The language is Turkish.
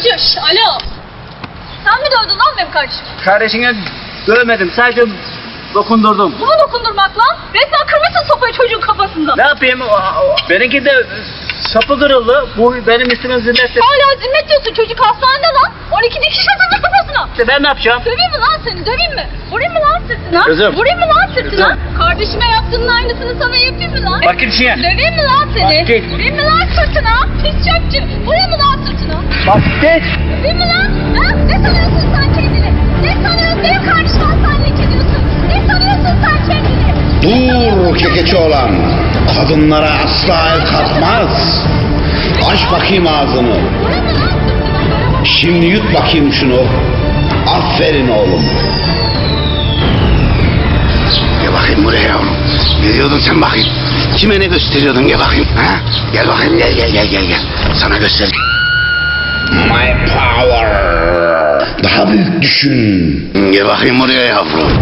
Şşş, alo. Sen mi dövdün lan benim kardeşim? Kardeşine dövmedim, sadece dokundurdum. Bu mu dokundurmak lan? Resmen kırmışsın sopayı çocuğun kafasında. Ne yapayım? Benimki de sapı kırıldı. Bu benim üstüme zimmet. Hala zimmet diyorsun, çocuk hastanede lan. 12 dikiş atıldı kafasına. İşte ben ne yapacağım? Döveyim mi lan seni, döveyim mi? Vurayım mı lan sırtına? Kızım. Vurayım mı lan sırtına? Kızım. Kardeşime yaptığının aynısını sana yapayım mı lan? Bak git işine. Döveyim mi lan seni? Bak git. Vurayım mı lan sırtına? Pis çöpçü. Vurayım mı lan sırtına? Bak git. Döveyim mi lan? Ha? Ne sanıyorsun sen kendini? Ne sanıyorsun? Benim kardeşim hastanelik ediyorsun. Ne sanıyorsun sen kendini? Dur kekeçi olan. Kadınlara asla el kalkmaz. Aç bakayım ağzını. Vurayım mı lan sırtına? Şimdi yut bakayım şunu. Aferin oğlum. Gel bakayım buraya yavrum. Ne diyordun sen bakayım? Kime ne gösteriyordun gel bakayım. Ha? Gel bakayım gel. Sana göster. My power. Daha büyük düşün. Gel bakayım buraya yavrum.